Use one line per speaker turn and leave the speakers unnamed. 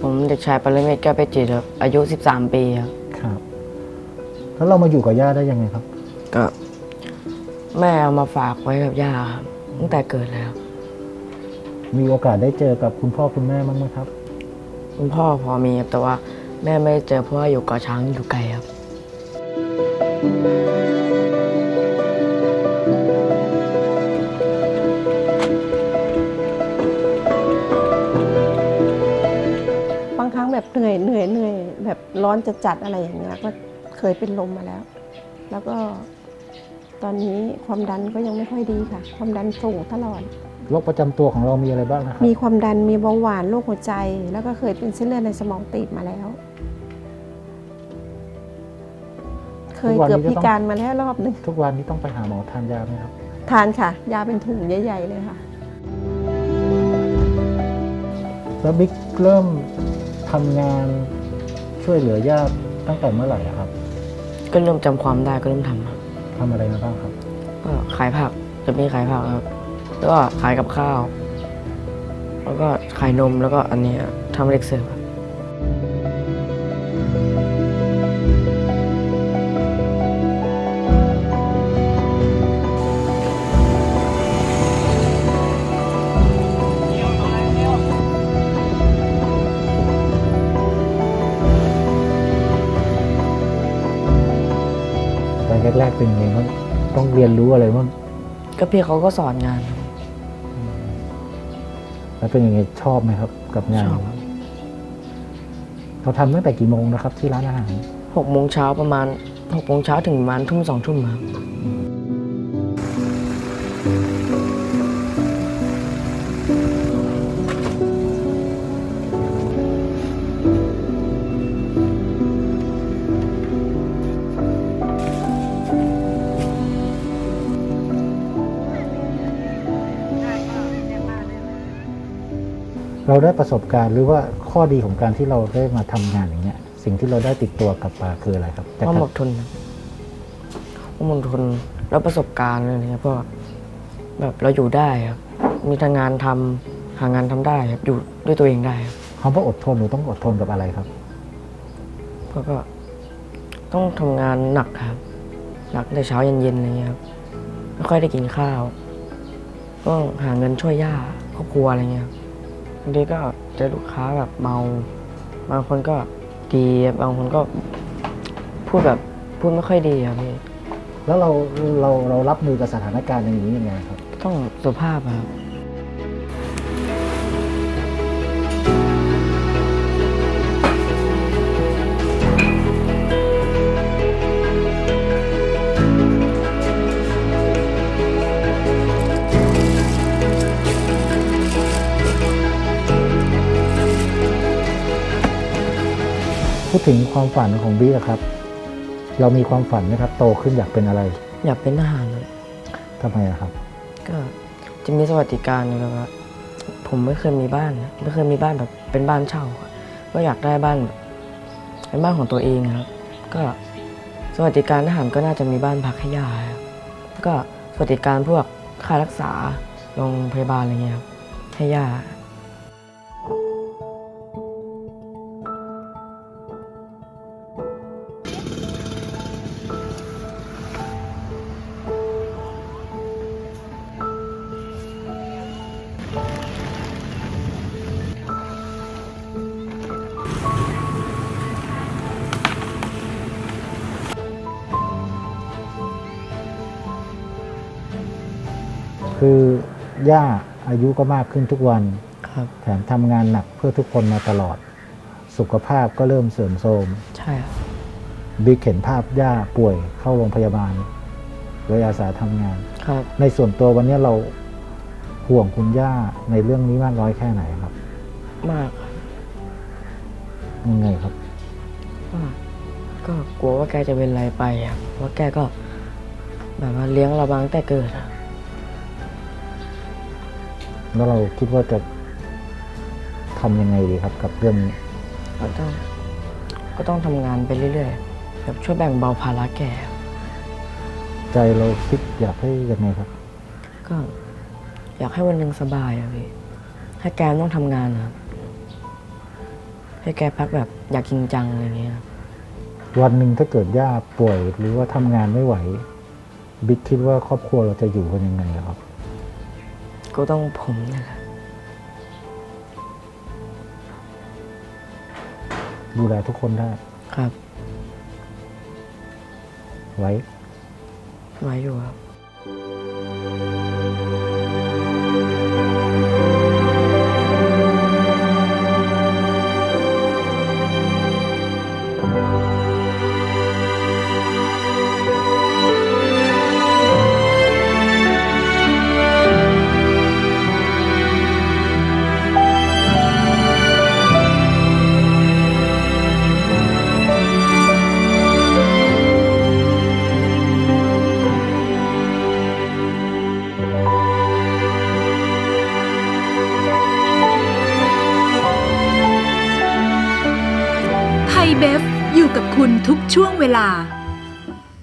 ผมเด็กชายปรเมศแก้วเพชรจิตครับอายุ13 ปีครับ
ครับแล้วเรามาอยู่กับย่าได้ยังไงครับ
ก็แม่เอามาฝากไว้กับย่าครับตั้งแต่เกิดแล้ว
มีโอกาสได้เจอกับคุณพ่อคุณแม่บ้างไหมครับ
คุณพ่อพอมีครับแต่ว่าแม่ไม่ได้เจอเพราะว่าอยู่เกาะช้างอยู่ไกลครับ
บางครั้งแบบเหนื่อยแบบร้อนจะจัดอะไรอย่างเงี้ยก็เคยเป็นลมมาแล้ว แล้วก็ตอนนี้ความดันก็ยังไม่ค่อยดีค่ะความดันสูงตลอด
โรคประจำตัวของเรามีอะไรบ้างนะครับ
มีความดันมีเบาหวานโรคหัวใจแล้วก็เคยเป็นเส้นเลือดในสมองตีบมาแล้ว เคยเกือบพิการมาแล้วรอบหนึ่ง
ทุกวันนี้ต้องไปหาหมอทานยาไหมครับ
ทานค่ะยาเป็นถุงใหญ่ๆเลยค่ะ
แล้วบิ๊กเริ่มทำงานช่วยเหลือญาติตั้งแต่เมื่อไหร่ครับ
ก็เริ่มจำความได้ก็เริ่มทำครับ
ทำอะไรมาบ้างครับ
ก็ขายผักจะมีขายผักครับแล้วก็ขายกับข้าวแล้วก็ขายนมแล้วก็อันนี้ทำเล็กเสิร์ฟครับ
ตอนแรกๆเป็นยังไงบ้างต้องเรียนรู้อะไรบ้าง
ก็พี่เขาก็สอนงาน
แล้วเป็นยังไงชอบไหมครับกับงานเราทำตั้งแต่กี่โมงนะครับที่ร้านอาหาร
6 โมงเช้าประมาณ6 โมงถึงประมาณทุ่ม2 ทุ่มครับ
เราได้ประสบการณ์หรือว่าข้อดีของการที่เราได้มาทำงานอย่างเงี้ยสิ่งที่เราได้ติดตัวกลับมาคืออะไรครับ
ความอดทนความอดทนแล้วประสบการณ์อะไรเงี้ยเพราะแบบเราอยู่ได้ครับมีทางงานทำหางานทำได้ครับอยู่ด้วยตัวเองได้ครับ
คำว่าอดทนหรือต้องอดทนกับอะไรครับ
เพราะก็ต้องทำงานหนักครับหนักแต่เช้าเย็นๆอะไรเงี้ยครับไม่ค่อยได้กินข้าวต้องหาเงินช่วยย่าครอบครัวอะไรเงี้ยครับบางทีก็เจอลูกค้าแบบเมาบางคนก็ดีบางคนก็พูดไม่ค่อยดีครับพี่
แล้วเรารับมือกับสถานการณ์อย่างนี้ยังไงครับ
ต้องสุภาพครับ
พูดถึงความฝันของบิ๊กครับเรามีความฝันไหมครับโตขึ้นอยากเป็นอะไร
อยากเป็นทหารครับ
ทำไมครับ
ก็จะมีสวัสดิการนะครับว่าผมไม่เคยมีบ้านไม่เคยมีบ้านแบบเป็นบ้านเช่าก็อยากได้บ้านแบบเป็นบ้านของตัวเองครับก็สวัสดิการทหารก็น่าจะมีบ้านพักให้ย่าครับก็สวัสดิการพวกค่ารักษาโรงพยาบาลอะไรเงี้ยครับให้ย่า
คือย่าอายุก็มากขึ้นทุกวันแถมทำงานหนักเพื่อทุกคนมาตลอดสุขภาพก็เริ่มเสื่อมโทรม
ใช่ครับ
บิ๊กเห็นภาพย่าป่วยเข้าโรงพยาบาลเลยอาสาทำงานในส่วนตัววันนี้เราห่วงคุณย่าในเรื่องนี้มากน้อยแค่ไหนครับ
มากครับ
ยังไงครับ
ก็กลัวว่าแกจะเป็นอะไรไปครับเพราะแกก็แบบว่าเลี้ยงเรามาตั้งแต่เกิด
แล้วเราคิดว่าจะทำยังไงดีครับกับเรื่องนี้
ก็ต้องทำงานไปเรื่อยๆแบบช่วยแบ่งเบาภาระแก
ใจเราคิดอยากให้ยังไงครับ
ก็อยากให้วันหนึ่งสบายอะพี่ให้แกต้องทำงานนะใให้แกพักแบบอยากจริงจังอะไรเงี้ยครับ
วันหนึ่งถ้าเกิดย่าป่วยหรือว่าทำงานไม่ไหวบิ๊กคิดว่าครอบครัวเราจะอยู่กันยังไงครับ
ก็ต้องผมนะครับ
ดูแลทุกคนได้
ครับ
ไว้
ไว้อยู่ครับ
ไทยเบฟอยู่กับคุณทุกช่วงเวลา